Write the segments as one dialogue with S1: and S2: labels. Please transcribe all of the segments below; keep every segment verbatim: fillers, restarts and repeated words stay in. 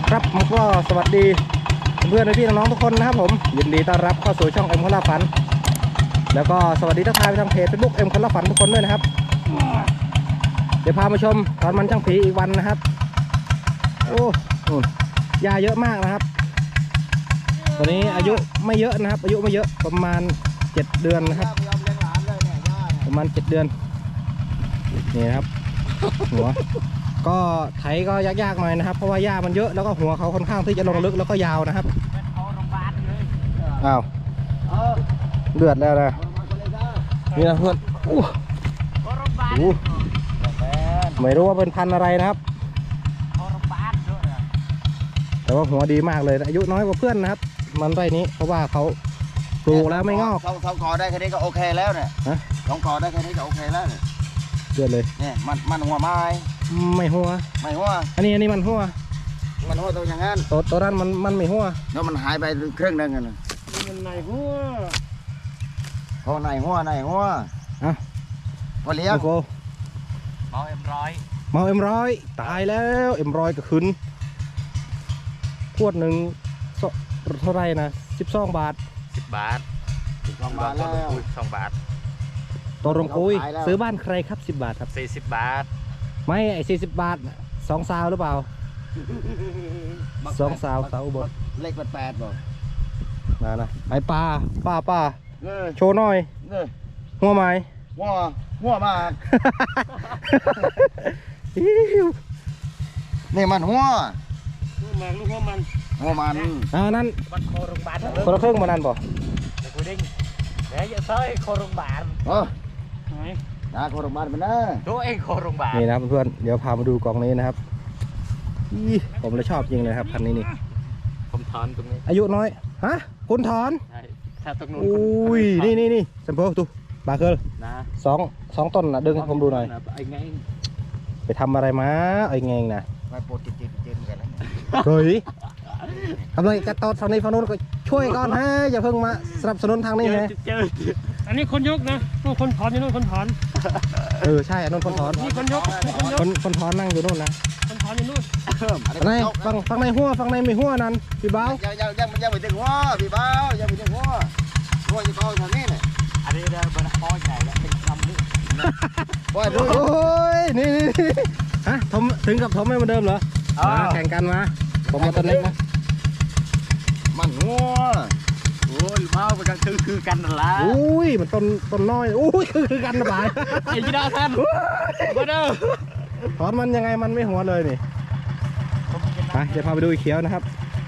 S1: ครับผมก็สวัสดีเพื่อนๆพี่น้องๆทุกคนนะครับผมยินดีต้อนรับเข้าสู่ช่องเอ็มคนละฝันแล้วก็สวัสดีทักทายไปทางเพจเฟซบุ๊กเอ็มคนละฝันทุกคนด้วยนะครับเดี๋ยวพามาชมตอนมันช่างผีอีกวันนะครับโอ้ยาเยอะมากนะครับตอนนี้อายุไม่เยอะนะครับอายุไม่เยอะประมาณเจ็ดเดือนนะครับประมาณเจ็ดเดือนนี่นะครับหัวก็ไถก็ยากๆหน่อยนะครับเพราะว่าหญ้ามันเยอะแล้วก็หัวเขาค่อนข้างที่จะลงลึกแล้วก็ยาวนะครับอ้าวเลือดแล้วนะนี่นะเพื่อนอู้หูไม่รู้ว่าเป็นพันธุ์อะไรนะครับแต่ว่าหัวดีมากเลยอายุน้อยกว่าเพื่อนนะครับมันไรนี้เพราะว่าเขาปลูกแล้วไม่งอก
S2: สองสองกอได้แค่นี้ก็โอเคแล้วเนี่ยสองกอได้แค่นี้ก็โอเคแล้วเนี่ย
S1: เลือดเลย
S2: เนี่ยมันมันหัวไม้
S1: ไม่หัว
S2: ไม่หัว
S1: อันนี้อันนี้มันหัว
S2: มันหัวตัวอย่างนั้น
S1: ตัวตัวนั้นมันมันไม่หัว
S2: แล้วมันหายไปครึ่งนึงกันเลย
S3: มันไหนหัว
S2: พอไหนหัวไหนหัว
S1: อ่ะ
S2: พอเลี้ยง
S3: เมาเอ็มร้อย
S1: เมาเอ็มร้อยตายแล้วเอ็มร้อยก็ขึ้นขวดหนึ่งเท่าไรนะสิบสองบาท
S3: สิบบาท
S2: สิบสองบาทแล้ว
S3: สองบาท
S1: ตัวรงคุยซื้อบ้านใครครับสิบบาทครับ
S3: สี่สิบบาท
S1: ไม่ไอ้สี่สิบบาทสองซาวหรือเปล่าสองซาวสาวบด
S2: เลขแปดแปดบ่
S1: มานะไอ้ปลาป้าป้าโชว์หน่อยหัวไม้
S2: หัวหัวมากนี่มันหัว
S3: ลูกแมงลูกหัวมัน
S2: หัวมัน
S1: อ่านั่น
S3: บัตรโคโรงพยาบาล
S1: คนละครึ่งมานั่นบ่
S3: เด็กกูดิ้งเดี๋ยวจะใช้โคโรงพยาบาล
S2: เออไหนนะโคโรงพยาบาลเป็นนะ
S3: ตัวเองโคโรงพยาบาล
S1: นี่นะเพื่อนๆเดี๋ยวพามาดูกล่องนี้นะครับผมเลยชอบจริงเลยครับพันนี้นี่
S3: ผมถอนตรงนี้
S1: อายุน้อยฮะคุณถอน
S3: ใช่ถ้าตรงนู้น
S1: อุ้ยนี่นี่นี่สัมโพตุบาเคิล
S3: นะ
S1: สองสองต้นนะดึงผมดูหน่อย
S3: ไอ้ไง
S1: ไปทำอะไรมาไอ้เงงนะ
S2: ไปปวดจิตจิตจิตกันแล้ว
S1: เฮ้ยทำไมกระตอดฝั่งนี้ฝั่งนู้นก็ช่วยก่อนฮะอย่าเพิ่งมาสนับสนุนทางนี้ไง
S3: อันนี้คนยกนะนู่นคนถอนอยู่นู่นคนถอน
S1: เออใช่อันนู้นคนถอน
S3: นี่คนยกนี่คนยก
S1: คนคนถอนนั่งอยู่นู่นนะ
S3: คนถอนอยู่นู่น
S1: ในฝั่งฝั่งในหัวฝั่งในไม่หัวนั่นพี่บ้าว
S2: ยังยังยังยังไม่ถึงหัวพี่บ้าวยังไม่ถึงหัวหัวจะโตทางนี้เนี่ย
S3: อันนี้เดินบนคอใหญ่แล้วเป็นคำนี่
S1: โอ้ยนี่ฮะทมถึงกับทมไม่เหมือนเดิมเหรอแข่งกันมาผมมาต้นเล็กนะ
S2: มันหัว
S3: โอ้ยเมาเป็นกันคือคือกันนั่นแหละ
S1: อุ้ยมันต้นต้นน้อยอุ้ยคือคือกันนะบ่าย
S3: ไอ้ยีดาแทนมาเด้อ
S1: ถอนมันยังไงมันไม่หัวเลยนี่ไปจะพาไปดูอีเขียวนะครับ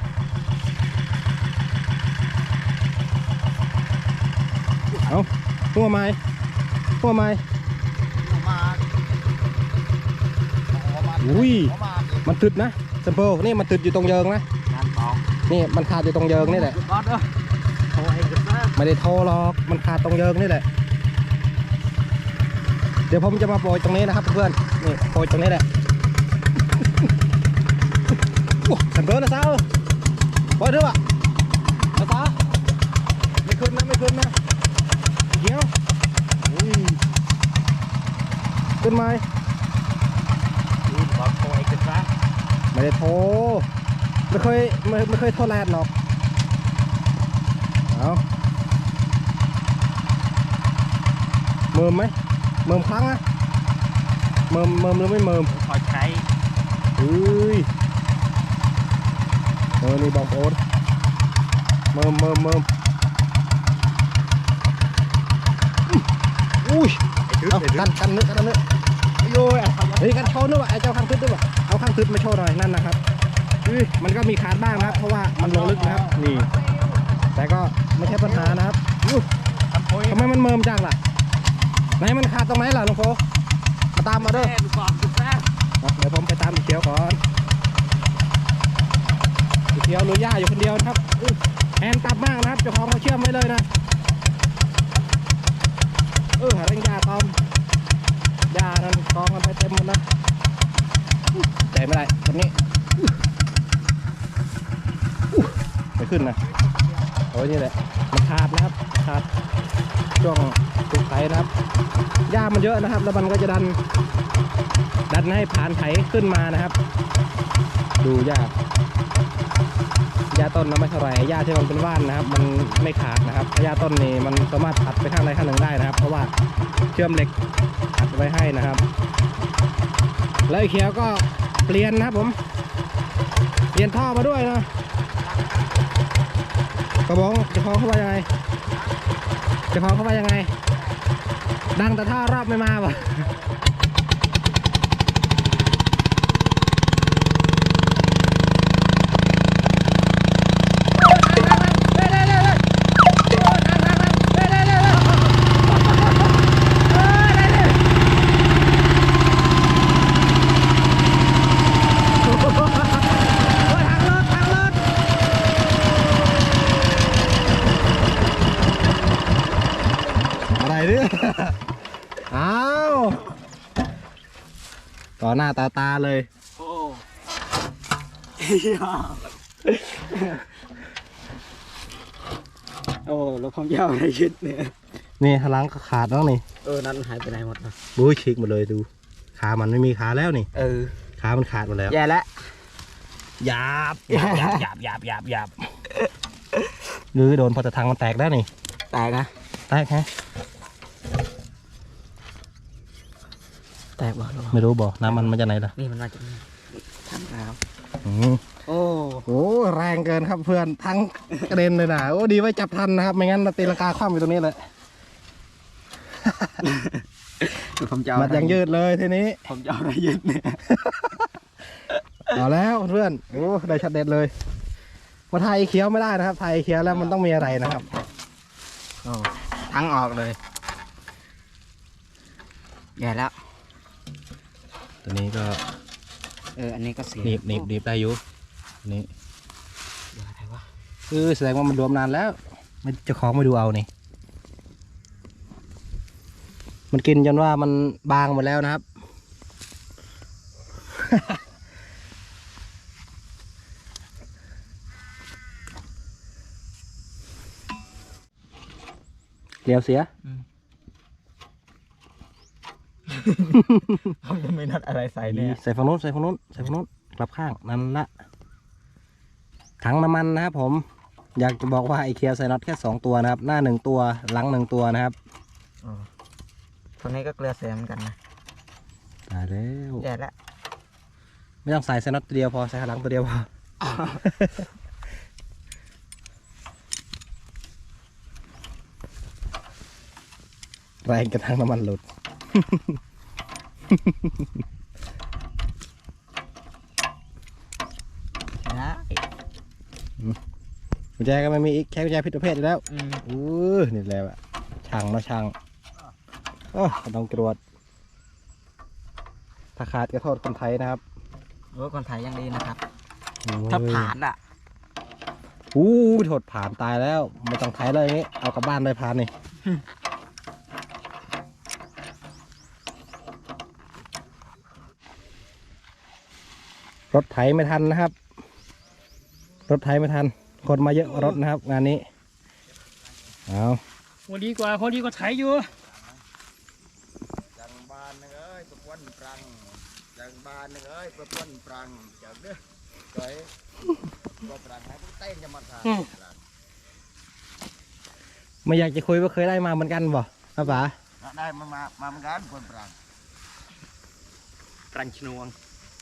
S1: เอาหัวไม้หัวไม้อุ้ยมันตึดนะสัมโพนี่มันตึดอยู่ตรงเยิงนะนี่มันขาดอยู่ตรงเยิงนี่แหละไม่ได้โทรหรอกมันขาดตรงเยิงนี่แหละเดี๋ยวผมจะมาโปรยตรงนี้นะครับเพื่อนนี่โปรยตรงนี้แหละสัมโพนะสาวโปรยด้วยป่ะนะสาวไม่ขึ้นนะไม่ขึ้นนะเดี๋ยวขึ้นไหมไม่ได้โทรไม่เคยไม่ไม่เคยโทรแลนด์หรอกเอาเมิมไหมเมิมครั้งอะเมิมเมิมหรือไม่เมิม
S3: พอใช้
S1: เฮ้ยเออนี่บองโอ๊ตเมิมเมิมเมิมอุ้ยเอากันกันนึกกันนึกโย่เฮ้ยกันโชว์ด้วยว่ะไอ้เจ้าข้างทึดด้วยว่ะเอาข้างทึดมาโชว์หน่อยนั่นนะครับมันก็มีขาดบ้างนะครับเพราะว่ามันลงลึกนะครับนี่แต่ก็ไม่ใช่ปัญหานะครับทำไมมันเมิมจังล่ะไหนมันขาดตรงไหนล่ะลุงโฟมาตามมาเด้อเดี๋ยวผมไปตามอีเขียวก่อนอีเขียวลุยย่าอยู่คนเดียวนะครับแอนตับมากนะครับเจ้าของเขาเชื่อมไว้เลยนะเออหาเร่งยาตอมยานั่นกองกันไปเต็มหมดนะใจไม่ได้ตรงนี้ไม่ขึ้นนะโอ้ยนี่แหละมันขาดนะครับขาดช่วงตุกไถนะครับหญ้ามันเยอะนะครับแล้วมันก็จะดันดันให้ผ่านไถขึ้นมานะครับดูยากหญ้าต้นนะไม่เท่าไหร่หญ้าที่มันเป็นว่านนะครับ มันไม่ขาดนะครับหญ้าต้นนี่มันสามารถตัดไปข้างใดข้างหนึ่งได้นะครับ เพราะว่าเชื่อมเหล็กตัดไว้ให้นะครับ แล้วไอ้เขียวก็เปลี่ยนนะครับผมเปลี่ยนท่อมาด้วยนะกระบอกจะคล้องเข้าไปยังไงจะคล้องเข้าไปยังไงดังแต่ท่อรอบไม่มาป่ะอ้าวต่อหน้าตาตาเลย
S3: โอ้โอ้แล้วความยาวอะไรชุดเนี่ย
S1: นี่หลังก็ขาดแล้วนี่
S3: เออนั่นหายไปไหนหมดนะ
S1: บู๊ฉีกหมดเลยดูขามันไม่มีขาแล้วนี่
S3: เออ
S1: ขามันขาดหมดแล้ว
S3: แย่แล้ว
S1: หยาบหยาบหยาบหยาบหยาบหยาบหยาบหรือโดนพอจะทางมันแตกได้นี่
S3: แตกนะ
S1: แตกฮะ
S3: แตกบ่
S1: ไม่รู้บ่น้ำมันมาจากไหนล่ะ
S3: นี่มันมาจากทางน้
S1: ำอืม
S3: โอ้
S1: โหแรงเกินครับเพื่อนทั้งกระเด็นเลยนะโอ้ดีไว้จับทันนะครับไม่งั้นตีลังกาคว่ำอยู่ตรงนี้เลย
S3: ผมจะ
S1: มัดยังยืดเลยทีนี้
S3: ผมจะอะไรยืดเนี่ย
S1: เอาแล้วเพื่อนโอ้ได้ชัดเด็ดเลยมาไทยเคี้ยวไม่ได้นะครับไทยเคี้ยวแล้วมันต้องมีอะไรนะครับ
S3: โอ้ทั้งออกเลยแย่แล้ว
S1: ตัวนี้ก็
S3: เอออันนี้ก็เสีย
S1: หนีบหนีบหนีบได้อยู่นี่
S3: เดี๋ยวอะไรวะ
S1: คือแสดงว่ามันรวมนานแล้วมันจะคล้องมาดูเอานี่มันกินจนว่ามันบางหมดแล้วนะครับเลี้ยวเสีย
S3: เขาจะไม่นัดอะไรใส่เนี่ย
S1: ใส่ฝั่งนู้นใส่ฝั่งนู้นใส่ฝั่งนู้นกลับข้างนั่นละถังน้ำมันนะครับผมอยากจะบอกว่าไอเคียวใส่น็อตแค่สองตัวนะครับหน้าหนึ่งตัวหลังหนึ่งตัวนะครับ
S3: ตัวนี้ก็เกลือเสียเหมือนกันนะ
S1: ตายแล้ว
S3: แย่แล้ว
S1: ไม่ต้องใส่ใส่น็อตตัวเดียวพอใส่ข้างหลังตัวเดียวพอแรงกระทั่งน้ำมันหลุด
S3: นะ
S1: กุญแจก็ไม่มีอีกแค่กุญแจผิดประเภทแล้วอือนี่แหละช่างนะช่างโอ้ต้องตรวจถ้าขาดก็โทษคนไทยนะครับ
S3: โอ้คนไทยยังดีนะครับถ้าผ่านอ่ะ
S1: อู้โทษผ่านตายแล้วไม่ต้องไทยเลยนี้เอากลับบ้านเลยผ่านนี่รถไถไม่ทันนะครับรถไถไม่ทันคนมาเยอะรถนะครับงานนี้เอา
S3: คนดีกว่าคนดีกว่าไถอยู่
S2: จังบานนึงเอ้ยประพวนปรังจังบานนึงเอ้ยประพวนปรังจังเด้อเฮ้ยก็ปรังให้พวกเต้นจะมาทาน
S1: ไม่อยากจะคุยว่าเคยได้มาเหมือนกันบ่ครับป๋า
S2: ได้มามามาเหมือนกันประพวนปรัง
S3: ปรังชนวง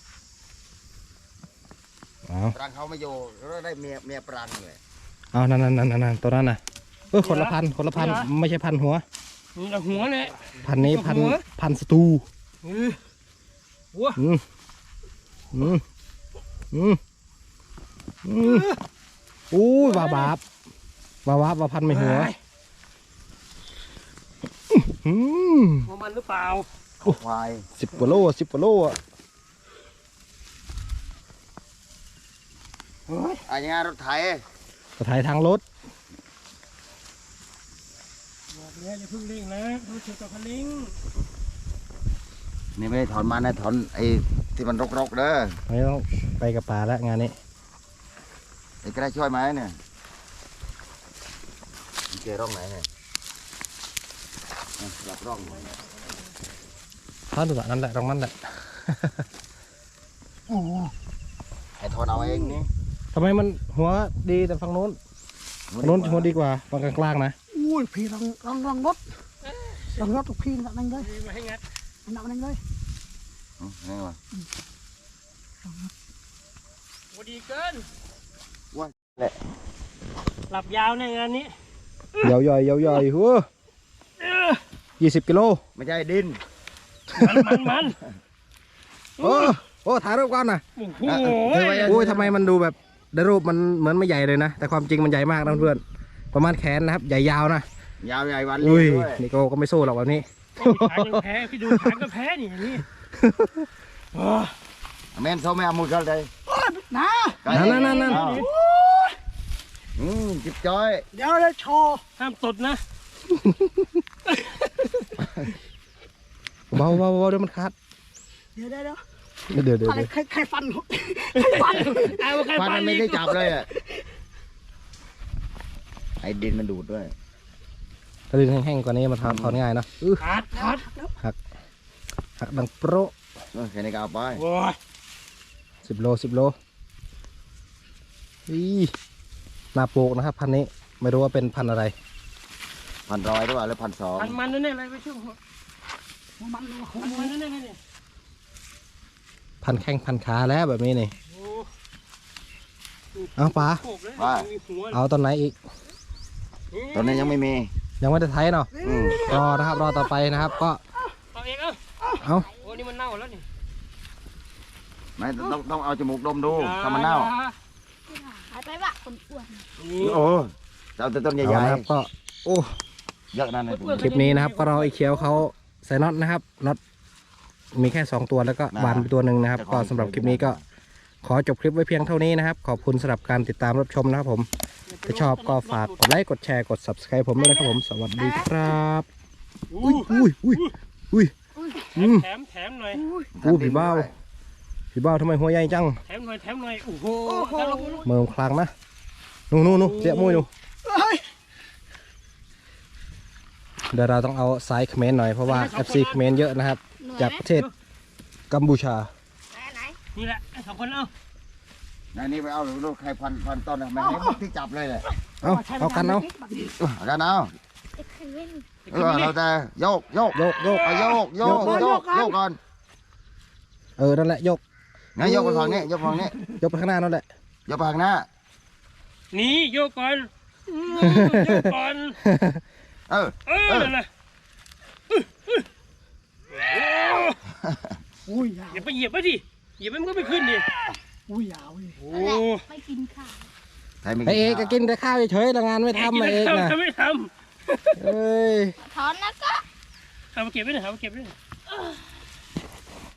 S2: ปรังเขาไม่อยู่แล้วได้เมียเมียปรังเลย
S1: เอานั่นนั่นนั่นนั่นตัวนั้นน่ะเออคนละพันคนละพันไม่ใช่พันหัว
S3: นี่ละหัวเลย
S1: พันนี้พันพันสตู
S3: หัว
S1: อืมอืมอืมอืมอู้บาบาบบาบาบบาพันไม่หัว
S3: อืมหัวมันหรือเปล่า
S2: ควาย
S1: สิบกว่าโลสิบกว่าโลอ่ะ
S2: อันนี้รถไถ
S1: รถไถทางรถ
S3: บอกเนี่ยอย่าพึ่งลิงนะดูเชือกกับคันลิง
S2: นี่ไม่ได้ถอนมานะถอนไอ้ที่มันรกๆเด้อ
S1: ไม่ต้องไปกับป่าแล้วงานนี้
S2: ไอ้กระช่วยไหมเนี่ยเจอร่องไหนเนี่ยหลับร่อง
S1: ท่านดูนั่นแหละตรงนั้นแหละ
S2: ไอ้ถอนเอาเองนี่
S1: ถทำไมมันหัวดีแต่ฝั่งนู้นฝั่งนู้นหัวดีกว่าฝั่งกลางๆนะ
S4: อุ้ยพี่ลองลองลองรถลองรถทุกพี่นั่นเลย
S3: มาให้งัด
S4: นั่นเลย
S2: อืมนี่วะ
S3: โอ้ดีเกิน
S2: ว้าแหละ
S3: หลับยาวในงานนี้
S1: ยาวๆยาวๆหัวยี่สิบกิโล
S2: ไม่ใช่ดิน
S3: มันมันมัน
S1: โอ้โอ้ถ่ายรูปก่อนนะ
S3: โอ้โห
S1: โอ้ยทำไมมันดูแบบในรูปมันเหมือนไม่ใหญ่เลยนะแต่ความจริงมันใหญ่มากนะเพื่อนประมาณแขนนะครับใหญ่ยาวนะ
S2: ยาวใหญ่วัน
S1: อุ้
S2: เลี้
S1: ย
S2: ยงด้วย
S1: นี่ก็ก็ไม่สู้หรอกแบบนี้
S3: ขางยังแพ้พี่ดูขางก็แพ้นี่อย่างนี้โอ้
S2: แม่นเขาไม่เอามือกันเลย
S4: นะ
S1: นั่นนั่นนั่นนั่น
S2: อ้าวอืมจิบจ้อย
S4: เดี๋ยวเลยโชว์
S3: ห้ามตดนะ
S1: เบาเบาเบาเดี๋ยวมันขาด
S4: เดี๋ยวเดี๋ยวเดี๋ยว
S1: เดี๋ยวเดี๋ยว
S4: อะไร
S1: เดี๋ยว
S4: ใครใครฟันใครฟัน
S3: เอาใคร
S2: ฟัน
S3: ฟั
S2: มัน นไม่ได้จับเลยอ่ะไอ้ดินมันดูดด้วย
S1: ถ้าดินแห้งๆกว่านี้มันถอนถอนง่ายเนอะอื้อ
S3: ขาดขาด
S1: หักดังโปร
S2: เออแค่นี้ก็เอาไป
S3: โอ้ย
S1: สิบโลสิบโลอีนาโปกนะครับพันนี้ไม่รู้ว่าเป็นพันอะไร
S2: พันร้อยหรือเปล่าหรือพันสอง
S3: มันมันนั่นอะไรไปช่วง
S4: มันมันหัว
S3: มันมันนั่นนี่
S1: พันแข้งพันขาแล้วแบบนี้นี่
S3: โอ้
S1: เอาปลา
S3: โขกเลยมีหัว
S1: เอาตอนไหนอีก
S2: ตอนนี้ยังไม่มี
S1: ยังไม่ได้ไทยเนาะ
S2: อืม
S1: รอนะครับรอต่อไปนะครับก็
S3: เอาเองเอ้า
S1: เอา
S3: โอ้นี่มันเน่าแล้วนี่
S2: ไม่ต้องต้องเอาจมูกดมดูถ้ามันเน่า
S5: หายไปวะคนอ้วน
S3: นี่
S2: โอ้จะเอาแต่ต้นให
S1: เอา
S2: ญ่
S1: นะครับก็โอ้
S2: ๆเยอะนั่นเลย
S1: คลิปนี้นะครับก็รอไอ้เขียวเขาใส่น็อตนะครับน็อตมีแค่สองตัวแล้วก็บานไปตัวหนึ่งนะครับก็สำหรับคลิปนี้ก็ขอจบคลิปไว้เพียงเท่านี้นะครับขอบคุณสำหรับการติดตามรับชมนะครับผมถ้าชอบก็ฝากกดไลค์กดแชร์กด ซับสไครบ์ ผมด้วยนะครับผมสวัสดีครับ
S3: อุ้ย
S1: อุ้ยอุ้ยอุ้ยอืม
S3: แถมแถมหน่อย
S1: อู้ผีเบ้าผีเบ้าทำไมหัวใหญ่จัง
S3: แถมหน่อยแถมหน่อยโอ้โห
S1: เมืองคลังนะนู่นนู่นนู่นเจ๊มุ้ยนู่น
S4: เฮ้ย
S1: เดี๋ยวเราต้องเอาสายเขมรหน่อยเพราะว่า เอฟ ซี เขมรเยอะนะครับ จากประเทศกัมพูชา
S5: ไหนไหน
S3: นี่แหละสองคนเอา
S2: นายนี่ไปเอาลูกใครพันพันต้นอะไม่ให้ที่จับเลยเลย
S1: เอาเอากันเอา
S2: เอากันเอา
S5: เอ็กซ์เว่น
S2: เออเราจะโยกโยก
S1: โยกโยก
S2: เอาโยกโยกโยกโยกก่อน
S1: เออนั่นแหละโยก
S2: งั้นโยกไปฝั่งนี้โยกฝั่งนี้
S1: ยกไปข้างหน้านั่นแหละ
S2: โยกไปข้างหน้า
S3: นี่โยกก่อนโยกก่อน
S2: เออ
S3: เออนั่นแหละ
S4: อุ้ยยาว
S3: อย่าไปเหยียบไปดิเหยียบไปมันก็ไม่ขึ้นดิ
S4: อุ้ยยาวเลย
S3: โอ้
S5: ไม่กินข้าว
S2: ใครไม่
S1: ไอเอกก็กินแต่ข้าวเฉยๆแต่งานไม่ทำมาเอกนะ
S3: ทำไม่ท
S1: เอ้ย
S5: ถอนนะก็
S3: ำเอามาเก็บไว้หน่อยเอามาเก็บไว้หน่อย